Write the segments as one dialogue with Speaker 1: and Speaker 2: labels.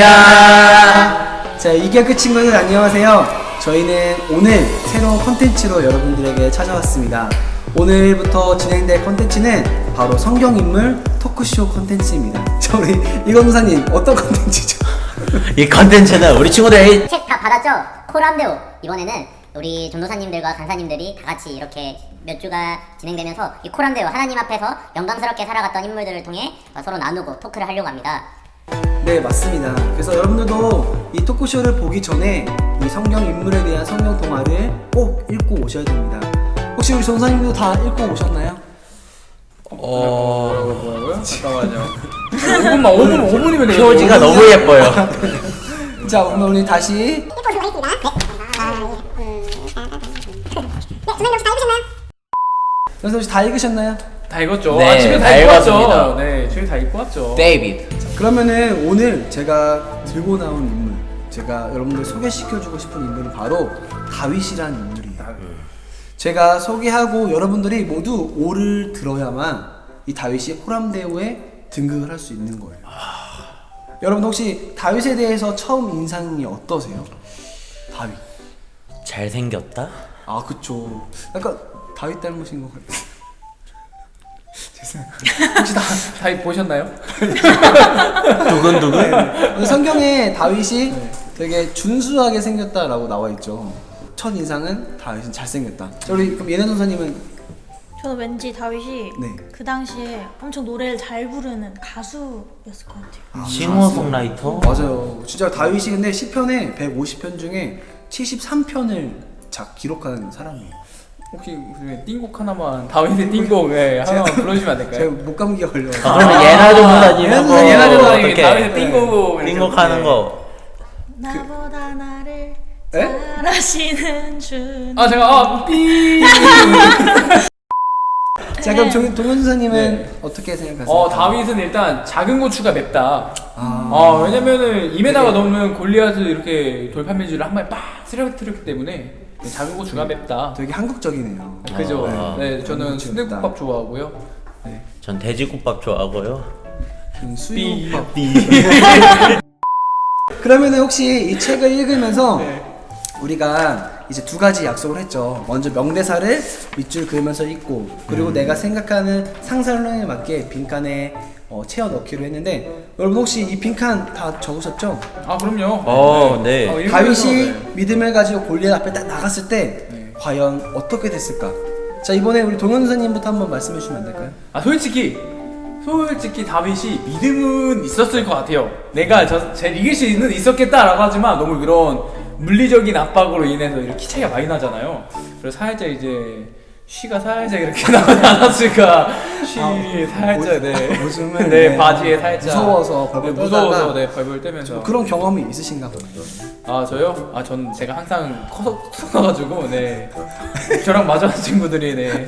Speaker 1: 자, 이격의 친구들 안녕하세요. 저희는 오늘 새로운 컨텐츠로 여러분들에게 찾아왔습니다. 오늘부터 진행될 컨텐츠는 바로 성경인물 토크쇼 컨텐츠입니다. 자, 우리 이건사님 어떤 컨텐츠죠?
Speaker 2: 이 컨텐츠는 우리 친구들이
Speaker 3: 책 다 받았죠? 코람데오. 이번에는 우리 전도사님들과 간사님들이 다 같이 이렇게 몇 주가 진행되면서 이 코람데오 하나님 앞에서 영광스럽게 살아갔던 인물들을 통해 서로 나누고 토크를 하려고 합니다.
Speaker 1: 네, 맞습니다. 그래서 여러분들도 이 토크쇼를 보기 전에 이 성경 인물에 대한 성경 동화를 꼭 읽고 오셔야 됩니다. 혹시 우리 전사님도 다 읽고 오셨나요?
Speaker 4: 뭐라고요? 잠깐만요. 5분이면 돼요.
Speaker 2: 표지가 너무 예뻐요.
Speaker 1: 자, 그럼 우리 다시 전사 혹시 다 읽으셨나요?
Speaker 4: 다 읽었죠.
Speaker 2: 네,
Speaker 4: 집에
Speaker 2: 다
Speaker 4: 다 읽고
Speaker 2: 읽었습니다.
Speaker 4: 왔죠. 네, 집에 다 읽고 왔죠.
Speaker 2: 데이비드.
Speaker 1: 그러면은 오늘 제가 들고 나온 인물, 제가 여러분들 소개시켜주고 싶은 인물은 바로 다윗이라는 인물이에요. 제가 소개하고 여러분들이 모두 오를 들어야만 이 다윗이 호람대오에 등극을 할 수 있는 거예요. 여러분 혹시 다윗에 대해서 처음 인상이 어떠세요? 다윗.
Speaker 2: 잘생겼다?
Speaker 1: 아, 그쵸. 약간 다윗 닮으신 것 같아요. 죄송해요. 혹시
Speaker 4: 다 보셨나요?
Speaker 2: 두근두근?
Speaker 1: 네. 성경에 다윗이 되게 준수하게 생겼다라고 나와 있죠. 첫 인상은 다윗은 잘생겼다. 자, 우리 그럼 예나 선생님은?
Speaker 5: 저는 왠지 다윗이
Speaker 1: 네.
Speaker 5: 그 당시에 엄청 노래를 잘 부르는 가수였을 것 같아요.
Speaker 2: 싱어송라이터?
Speaker 1: 맞아요. 진짜 다윗이 근데 시편에 150편 중에 73편을 기록한 사람이에요.
Speaker 4: 혹시 띵곡 하나만 다윗의 띵곡 하나만 불러주시면 안 될까요?
Speaker 1: 제가 목감기가 걸려서.
Speaker 2: 그러면 예나 전도사님
Speaker 4: 예나 전도사님이
Speaker 2: 어떻게
Speaker 4: 다윗의 띵곡
Speaker 2: 띵곡하는 거.
Speaker 5: 나보다 나를
Speaker 1: 에?
Speaker 5: 잘하시는 주.
Speaker 4: 제가 삐.
Speaker 1: 자, 그럼 동현 선생님은
Speaker 4: 네.
Speaker 1: 어떻게 생각하세요?
Speaker 4: 다윗은 일단 작은 고추가 맵다.
Speaker 1: 아.
Speaker 4: 왜냐면은 2m가 넘는 골리앗을 이렇게 돌팔매질을 한 번에 빡 쓰러뜨렸기 때문에 작은 고추가 맵다.
Speaker 1: 되게 한국적이네요.
Speaker 4: 그죠?
Speaker 1: 네.
Speaker 4: 네, 저는 순대국밥 좋아하고요. 네.
Speaker 2: 전 돼지국밥 좋아하고요.
Speaker 1: 수육밥. 그러면은 혹시 이 책을 읽으면서 우리가 이제 두 가지 약속을 했죠. 먼저 명대사를 밑줄 그으면서 읽고, 그리고 내가 생각하는 상상론에 맞게 빈칸에 채워 넣기로 했는데, 여러분 혹시 이 빈칸 다 적으셨죠?
Speaker 4: 그럼요.
Speaker 2: 네.
Speaker 4: 읽으면서,
Speaker 1: 다윗이
Speaker 4: 네.
Speaker 1: 믿음을 가지고 골리앗 앞에 딱 나갔을 때 과연 어떻게 됐을까? 자, 이번에 우리 동현 선생님부터 한번 말씀해 주시면 안 될까요?
Speaker 4: 솔직히 다윗이 믿음은 있었을 것 같아요. 내가 쟤 이길 수는 있었겠다라고 하지만 너무 그런 물리적인 압박으로 인해서 이렇게 키 차이가 많이 나잖아요. 그래서 살짝 이제 쉬가 살짝 이렇게 나오지 않았을까. 살짝
Speaker 1: 오줌을
Speaker 4: 네, 바지에 살짝
Speaker 1: 무서워서 벌벌
Speaker 4: 무서워서
Speaker 1: 떨다가
Speaker 4: 벌벌 떨면서
Speaker 1: 그런 경험이 있으신가 보네요.
Speaker 4: 저요? 전 제가 항상 커가지고 저랑 마주하는 친구들이 네.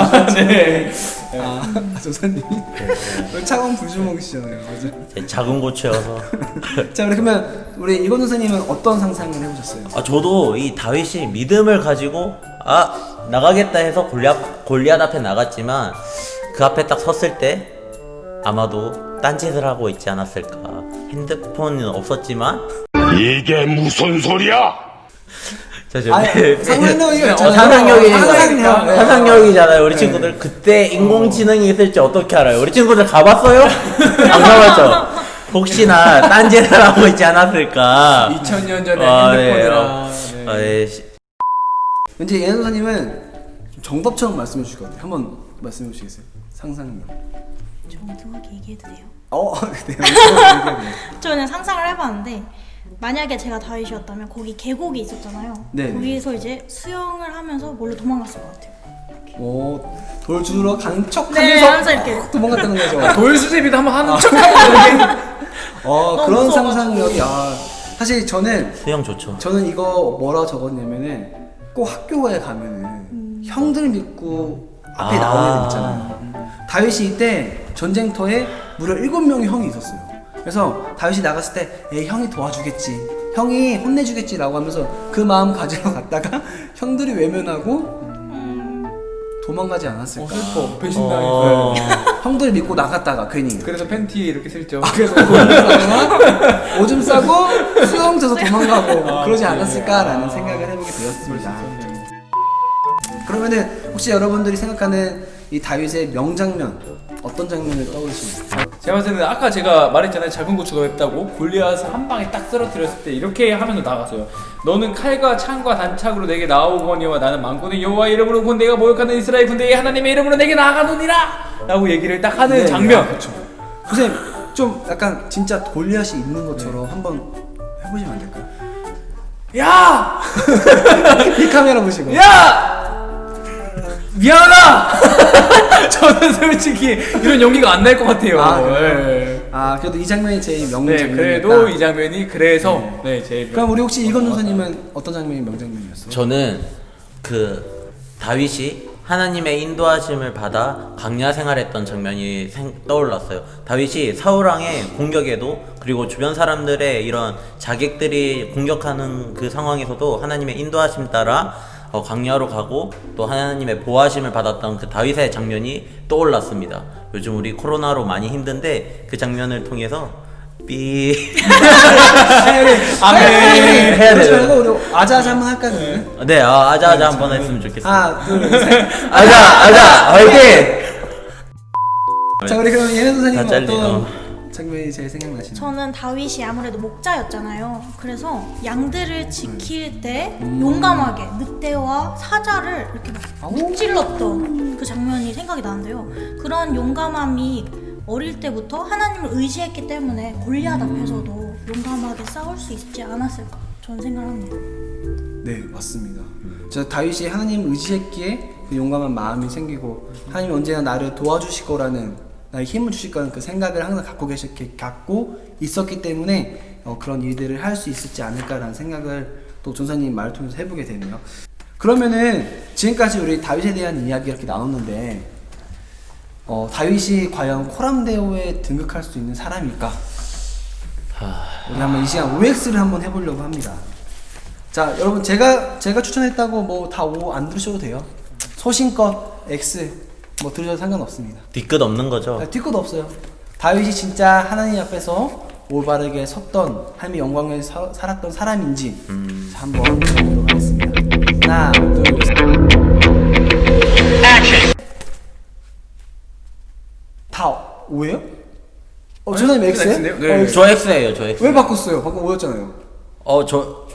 Speaker 1: 조사님 차가운 불주먹이시잖아요, 그죠?
Speaker 2: 제 작은 고추여서.
Speaker 1: 자, 그러면 우리 이건 선생님은 어떤 상상을 해보셨어요?
Speaker 2: 저도 이 다윗이 믿음을 가지고 나가겠다 해서 골리앗 앞에 나갔지만 그 앞에 딱 섰을 때 아마도 딴짓을 하고 있지 않았을까. 핸드폰은 없었지만
Speaker 6: 이게 무슨 소리야?
Speaker 2: 상상력이잖아요. 우리 친구들 그때 인공지능이 있을지 어떻게 알아요? 우리 친구들 가봤어요? 안 가봤죠? 혹시나 딴짓을 하고 있지 않았을까.
Speaker 4: 2000년 전에 핸드폰이랑
Speaker 1: 왠지 예나 선생님은 정답처럼 말씀해 주실 것 같아요. 한번 말씀해 주시겠어요? 상상력.
Speaker 5: 정중하게 얘기해도 돼요?
Speaker 1: 네.
Speaker 5: 저 그냥 상상을 해봤는데, 만약에 제가 다윗이었다면 거기 계곡이 있었잖아요.
Speaker 1: 네.
Speaker 5: 거기서 이제 수영을 하면서 몰래 도망갔을 것 같아요.
Speaker 1: 돌 주러 가는
Speaker 5: 네,
Speaker 1: 척하면서
Speaker 5: 하면서 이렇게.
Speaker 1: 도망갔다는 거죠.
Speaker 4: 돌수제비도 한번 하는 척하고
Speaker 1: 그런
Speaker 5: 무서워가지고.
Speaker 1: 상상력이 사실
Speaker 2: 수영 좋죠.
Speaker 1: 저는 이거 뭐라 적었냐면은 꼭 학교에 가면은 형들 믿고 앞에 나오는 애들 있잖아요. 다윗이 이때 전쟁터에 무려 7명의 형이 있었어요. 그래서 다윗이 나갔을 때 에이, 형이 도와주겠지, 형이 혼내주겠지 라고 하면서 그 마음 가지러 갔다가 형들이 외면하고 도망가지 않았을까.
Speaker 4: 슬퍼. 배신당했어요.
Speaker 1: 형들 믿고 나갔다가 괜히.
Speaker 4: 그래서 팬티에 이렇게 슬쩍.
Speaker 1: 그래서 오줌 싸고 수영 져서 도망가고 그러지 않았을까라는 생각을 해보게 되었습니다. 그러면은 혹시 여러분들이 생각하는 이 다윗의 명장면 어떤 장면을 떠오르십니까?
Speaker 4: 제가 봤을 때는 아까 제가 말했잖아요. 작은 고추가 맵다고. 골리앗을 한 방에 딱 쓰러뜨렸을 때 이렇게 하면서 나갔어요. 너는 칼과 창과 단창으로 내게 나오거니와 나는 만군의 여호와의 이름으로 군대가 모욕하는 이스라엘 군대의 하나님의 이름으로 내게 나아가노니라 라고 얘기를 딱 하는 장면.
Speaker 1: 그렇죠. 선생님 좀 약간 진짜 골리앗이 있는 것처럼 한번 해보시면 안 될까요?
Speaker 4: 야!
Speaker 1: 이 카메라 보시고.
Speaker 4: 야! 미안하다! 저는 솔직히 이런 연기가 안 날 것 같아요.
Speaker 1: 아, 그래요?
Speaker 4: 네.
Speaker 1: 아 그래도 이 장면이 제일
Speaker 4: 네,
Speaker 1: 명장면이었다.
Speaker 4: 그래도 이 장면이 그래서 제일.
Speaker 1: 그럼 우리 혹시 이건 선생님은 어떤 장면이 명장면이었어요?
Speaker 2: 저는 그 다윗이 하나님의 인도하심을 받아 광야 생활했던 장면이 떠올랐어요. 다윗이 사울왕의 공격에도 그리고 주변 사람들의 이런 자객들이 공격하는 그 상황에서도 하나님의 인도하심 따라 광야로 가고 또 하나님의 보호하심을 받았던 그 다윗의 장면이 떠올랐습니다. 요즘 우리 코로나로 많이 힘든데 그 장면을 통해서 삐
Speaker 4: 아멘.
Speaker 2: 해야
Speaker 1: 그러지
Speaker 2: 돼요.
Speaker 1: 말고 우리 아자아자 한번 할까요? 그러면?
Speaker 2: 네, 아자아자 한번 했으면 좋겠습니다.
Speaker 1: 하나 둘셋
Speaker 2: 아자 화이팅!
Speaker 1: 자 우리 그럼 예나 선생님은
Speaker 2: 다 잘리네.
Speaker 1: 어떤 장면이 제일 생각나시나요?
Speaker 5: 저는 다윗이 아무래도 목자였잖아요. 그래서 양들을 지킬 때 용감하게 늑대와 사자를 이렇게 막 찔렀던 그 장면이 생각이 나는데요. 그런 용감함이 어릴 때부터 하나님을 의지했기 때문에 골리앗 앞에서도 용감하게 싸울 수 있지 않았을까 저는 생각합니다.
Speaker 1: 네 맞습니다. 저 다윗이 하나님 의지했기에 그 용감한 마음이 생기고 하나님이 언제나 나를 도와주실 거라는 나의 힘을 주실 거라는 그 생각을 항상 갖고 있었기 때문에 그런 일들을 할 수 있었지 않을까라는 생각을 또 전사님 말을 통해서 해보게 되네요. 그러면은 지금까지 우리 다윗에 대한 이야기 이렇게 나눴는데 다윗이 과연 코람데오에 등극할 수 있는 사람일까? 우리 한번 이 시간 OX를 한번 해보려고 합니다. 자 여러분 제가 추천했다고 뭐 다 O 안 들으셔도 돼요. 소신껏 X 뭐 들으셔도 상관없습니다.
Speaker 2: 뒤끝 없는 거죠.
Speaker 1: 뒤끝 없어요. 다윗이 진짜 하나님 앞에서 올바르게 섰던 하나님의 영광을 살았던 사람인지 자, 한번 보도록 하겠습니다. 하나 둘셋 다 O예요? 조사님 X예요?
Speaker 4: X인데요? 네.
Speaker 1: X.
Speaker 2: 저 X예요, 저 X.
Speaker 1: 왜 바꿨어요? 방금 O였잖아요.
Speaker 2: 저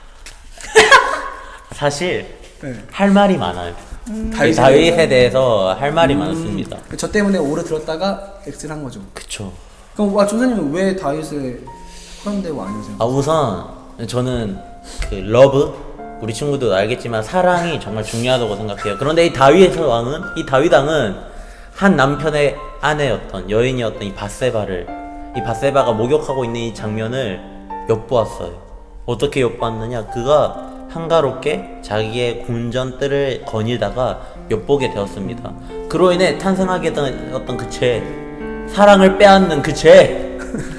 Speaker 2: 사실
Speaker 1: 네.
Speaker 2: 할 말이 많아요. 다윗에 대해서 할 말이 많습니다.
Speaker 1: 저 때문에 O를 들었다가 X를 한 거죠.
Speaker 2: 그쵸.
Speaker 1: 그럼 조사님은 왜 다윗을 코람데오 아니세요?
Speaker 2: 우선 저는 그 러브 우리 친구도 알겠지만 사랑이 정말 중요하다고 생각해요. 그런데 이 다윗 왕은 한 남편의 아내였던 여인이었던 이 바세바가 목욕하고 있는 이 장면을 엿보았어요. 어떻게 엿보았느냐? 그가 한가롭게 자기의 군전뜰을 거닐다가 엿보게 되었습니다. 그로 인해 탄생하게 된 어떤 그 죄, 사랑을 빼앗는 그 죄,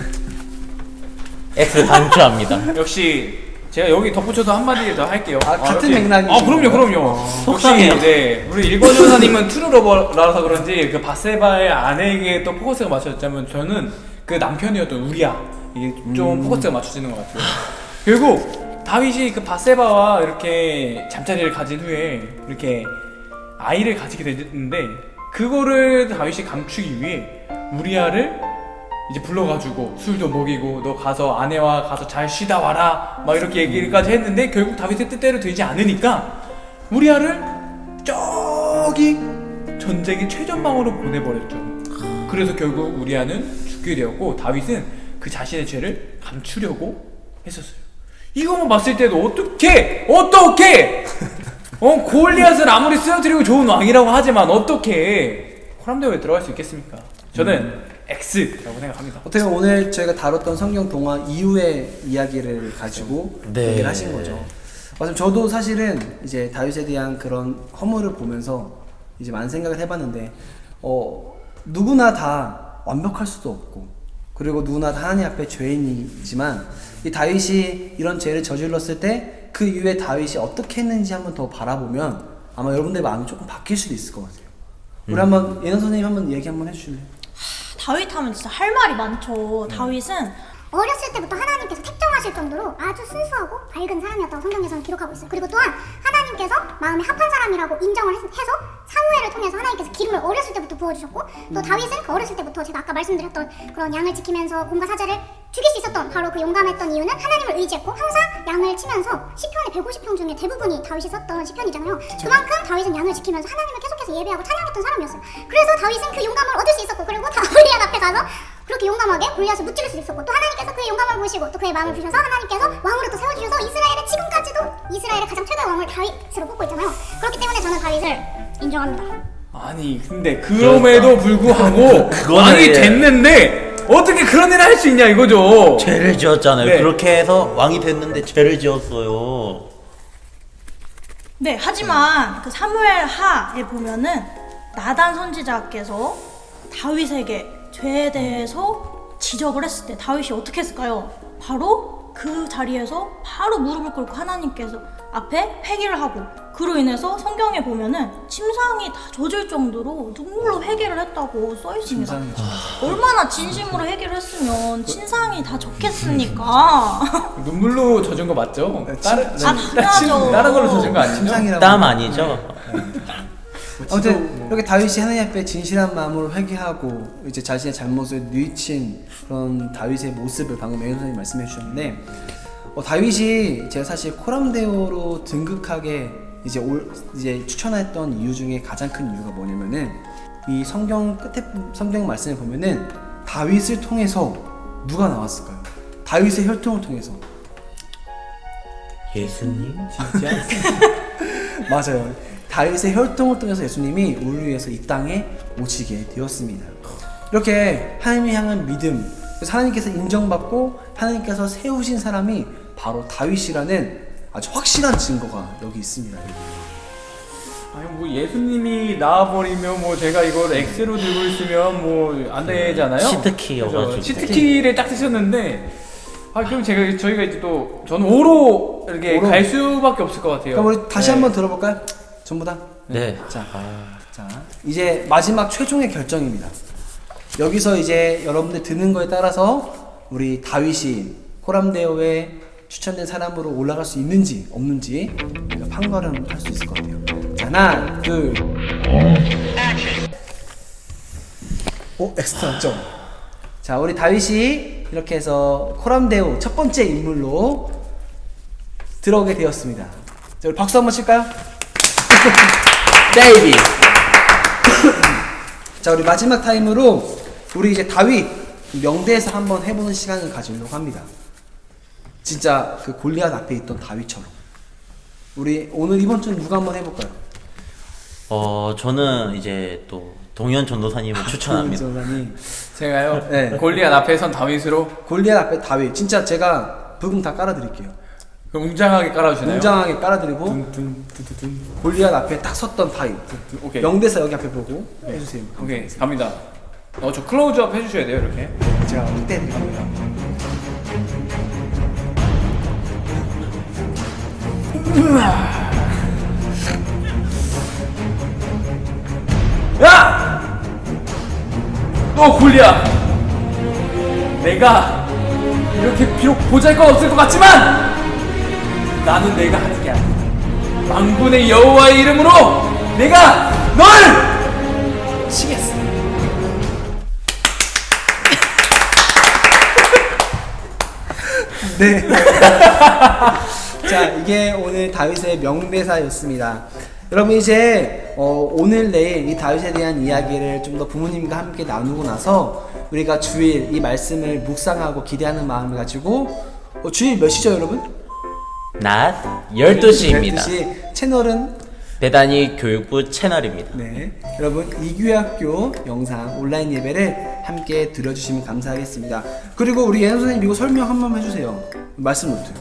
Speaker 2: X 강추합니다.
Speaker 4: 역시 제가 여기 덧붙여서 한마디 더 할게요.
Speaker 1: 같은
Speaker 4: 역시-
Speaker 1: 맥락이죠.
Speaker 4: 그럼요.
Speaker 2: 속상해요.
Speaker 4: 역시 네, 우리 일본 전사님은 트루러버라서 그런지 그 바세바의 아내에게 또 포커스가 맞춰졌다면 저는 그 남편이었던 우리야 이게 좀 포커스가 맞춰지는 것 같아요. 결국 다윗이 그 바세바와 이렇게 잠자리를 가진 후에 이렇게 아이를 가지게 됐는데 그거를 다윗이 감추기 위해 우리야를 이제 불러가지고 술도 먹이고 너 가서 아내와 가서 잘 쉬다 와라 막 이렇게 얘기까지 했는데 결국 다윗의 뜻대로 되지 않으니까 우리야를 저기 전쟁의 최전방으로 보내버렸죠. 그래서 결국 우리야는 죽게 되었고 다윗은 그 자신의 죄를 감추려고 했었어요. 이거만 봤을 때도 어떻게 골리앗을 아무리 쓰러뜨리고 좋은 왕이라고 하지만 어떻게 코람데오에 들어갈 수 있겠습니까? 저는 X라고 생각합니다.
Speaker 1: 어떻게 보면 오늘 저희가 다뤘던 성경 동화 이후의 이야기를 가지고
Speaker 2: 네.
Speaker 1: 얘기를 하신 거죠. 맞아요. 저도 사실은 이제 다윗에 대한 그런 허물을 보면서 이제 많은 생각을 해봤는데 누구나 다 완벽할 수도 없고 그리고 누구나 다 하나님 앞에 죄인이지만 이 다윗이 이런 죄를 저질렀을 때 그 이후에 다윗이 어떻게 했는지 한번 더 바라보면 아마 여러분들의 마음이 조금 바뀔 수도 있을 것 같아요. 우리 한번 예나 선생님 한번 얘기 한번 해주실래요?
Speaker 5: 다윗 하면 진짜 할 말이 많죠. 다윗은
Speaker 7: 어렸을 때부터 하나님께서 택정하실 정도로 아주 순수하고 밝은 사람이었다고 성경에서는 기록하고 있어요. 그리고 또한 하나님께서 마음에 합한 사람이라고 인정을 해서 사무엘을 통해서 하나님께서 기름을 어렸을 때부터 부어주셨고 또 다윗은 그 어렸을 때부터 제가 아까 말씀드렸던 그런 양을 지키면서 곰과 사자를 죽일 수 있었던 바로 그 용감했던 이유는 하나님을 의지했고 항상 양을 치면서 시편의 150편 중에 대부분이 다윗이 썼던 시편이잖아요. 그만큼 다윗은 양을 지키면서 하나님을 계속해서 예배하고 찬양했던 사람이었어요. 그래서 다윗은 그 용감을 얻을 수 있었고 그리고 골리앗 앞에 가서 그렇게 용감하게 골리앗을 무찌를 수 있었고 또 하나님께서 그의 용감을 보시고 또 그의 마음을 보셔서 하나님께서 왕으로 또 세워주셔서 이스라엘의 지금까지도 이스라엘의 가장 최고의 왕을 다윗으로 뽑고 있잖아요. 그렇기 때문에 저는 다윗을 인정합니다.
Speaker 4: 아니 근데 그럼에도 불구하고
Speaker 2: 그거는
Speaker 4: 왕이
Speaker 2: 예.
Speaker 4: 됐는데 어떻게 그런 일을 할 수 있냐 이거죠.
Speaker 2: 죄를 지었잖아요.
Speaker 4: 네.
Speaker 2: 그렇게 해서 왕이 됐는데 죄를 지었어요.
Speaker 5: 네, 하지만 그 사무엘 하에 보면은 나단 선지자께서 다윗에게 죄에 대해서 지적을 했을 때 다윗이 어떻게 했을까요? 바로 그 자리에서 바로 무릎을 꿇고 하나님께서 앞에 회개를 하고 그로 인해서 성경에 보면은 침상이 다 젖을 정도로 눈물로 회개를 했다고 써 있습니다. 얼마나 진심으로 회개를 했으면 침상이 다 젖겠습니까?
Speaker 4: 눈물로 젖은 거 맞죠?
Speaker 5: 당연하죠.
Speaker 4: 다른 걸로 젖은 거 아니죠?
Speaker 1: 침상이라고.
Speaker 2: 땀 아니죠?
Speaker 1: 아무튼 이렇게 다윗이 하나님 앞에 진실한 마음으로 회개하고 이제 자신의 잘못을 뉘우친 그런 다윗의 모습을 방금 맹현 선생님이 말씀해 주셨는데 다윗이 제가 사실 코람데오로 등극하게 이제 추천했던 이유 중에 가장 큰 이유가 뭐냐면은 이 성경 끝에 성경 말씀을 보면은 다윗을 통해서 누가 나왔을까요? 다윗의 혈통을 통해서
Speaker 2: 예수님?
Speaker 4: 진짜?
Speaker 1: 맞아요. 다윗의 혈통을 통해서 예수님이 우리를 위해서 이 땅에 오시게 되었습니다. 이렇게 하나님을 향한 믿음, 그래서 하나님께서 인정받고 하나님께서 세우신 사람이 바로 다윗이라는 아주 확실한 증거가 여기 있습니다.
Speaker 4: 아니 뭐 예수님이 나와버리면 뭐 제가 이걸 X로 들고 있으면 뭐 안 되잖아요.
Speaker 2: 치트키여가지고.
Speaker 4: 그죠? 치트키를 딱 쓰셨는데 그럼 저희가 이제 또 저는 5로 이렇게
Speaker 1: 5로.
Speaker 4: 갈 수밖에 없을 것 같아요.
Speaker 1: 그럼 우리 다시
Speaker 4: 네.
Speaker 1: 한번 들어볼까요? 전부 다?
Speaker 2: 네.
Speaker 1: 자, 이제 마지막 최종의 결정입니다. 여기서 이제 여러분들 드는 거에 따라서 우리 다윗이 코람데오에 추천된 사람으로 올라갈 수 있는지 없는지 우리가 판가름 할 수 있을 것 같아요. 자, 하나, 둘. 엑스트라 점. 자, 우리 다윗이 이렇게 해서 코람데오 첫 번째 인물로 들어오게 되었습니다. 자, 우리 박수 한번 칠까요?
Speaker 2: 데이비.
Speaker 1: 자, 우리 마지막 타임으로 우리 이제 다윗 명대에서 한번 해보는 시간을 가지려고 합니다. 진짜 그 골리앗 앞에 있던 다윗처럼. 우리 오늘 이번 주는 누가 한번 해볼까요?
Speaker 2: 저는 이제 또 동현 전도사님을 추천합니다.
Speaker 1: 전사님.
Speaker 4: 제가요.
Speaker 1: 네.
Speaker 4: 골리앗 앞에 선 다윗으로
Speaker 1: 골리앗 앞에 다윗. 진짜 제가 부금 다 깔아드릴게요.
Speaker 4: 그럼 웅장하게 깔아주나요?
Speaker 1: 웅장하게 깔아드리고
Speaker 4: 둔둔둔둔.
Speaker 1: 골리앗 앞에 딱 섰던 다윗.
Speaker 4: 오케이.
Speaker 1: 명대사 여기 앞에 보고 해주세요.
Speaker 4: 오케이 갑니다. 저 클로즈업 해주셔야 돼요 이렇게.
Speaker 1: 제가 이때 갑니다.
Speaker 4: 야! 너 골리앗! 내가 이렇게 비록 보잘것 없을 것 같지만 나는 내가 하는 게 아니야. 만군의 여호와의 이름으로 내가 널 치겠어.
Speaker 1: 네. 자, 이게 오늘 다윗의 명대사였습니다. 여러분 이제 오늘 내일 이 다윗에 대한 이야기를 좀 더 부모님과 함께 나누고 나서 우리가 주일 이 말씀을 묵상하고 기대하는 마음을 가지고 주일 몇 시죠 여러분?
Speaker 2: 낮 12시입니다.
Speaker 1: 12시 채널은
Speaker 2: 배단이 교육부 채널입니다.
Speaker 1: 네, 여러분 이규학교 영상 온라인 예배를 함께 들어주시면 감사하겠습니다. 그리고 우리 예나 선생님 이거 설명 한 번만 해주세요. 말씀 노트.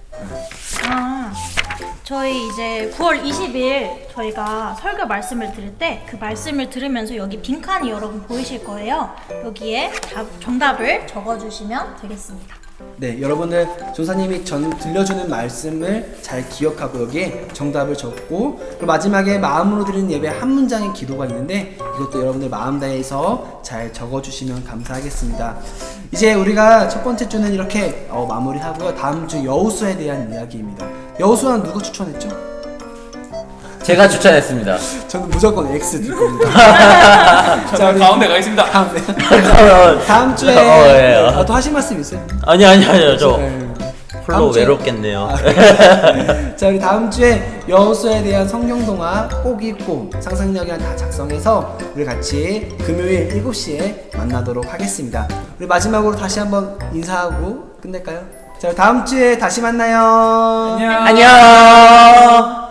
Speaker 5: 저희 이제 9월 20일 저희가 설교 말씀을 들을 때 그 말씀을 들으면서 여기 빈칸이 여러분 보이실 거예요. 여기에 정답을 적어주시면 되겠습니다.
Speaker 1: 네, 여러분들 조사님이 들려주는 말씀을 잘 기억하고 여기에 정답을 적고, 그리고 마지막에 마음으로 드리는 예배 한 문장의 기도가 있는데 이것도 여러분들 마음 다해서 잘 적어주시면 감사하겠습니다. 이제 우리가 첫 번째 주는 이렇게 마무리하고요. 다음 주 여호수아에 대한 이야기입니다. 여호수아는 누가 추천했죠?
Speaker 2: 제가 추천했습니다.
Speaker 1: 저는 무조건 X 들 겁니다. 자, 우리
Speaker 4: 가운데 가겠습니다.
Speaker 1: 다음 주에
Speaker 2: 예.
Speaker 1: 또 하실 말씀 있어요?
Speaker 2: 아니요. 저
Speaker 1: 네.
Speaker 2: 홀로
Speaker 1: 다음 주에-
Speaker 2: 외롭겠네요.
Speaker 1: 자, 우리 다음 주에 여호수아에 대한 성경 동화 꼭 읽고 상상력이랑 다 작성해서 우리 같이 금요일 7시에 만나도록 하겠습니다. 우리 마지막으로 다시 한번 인사하고 끝낼까요? 자, 다음 주에 다시 만나요.
Speaker 4: 안녕.
Speaker 2: 안녕.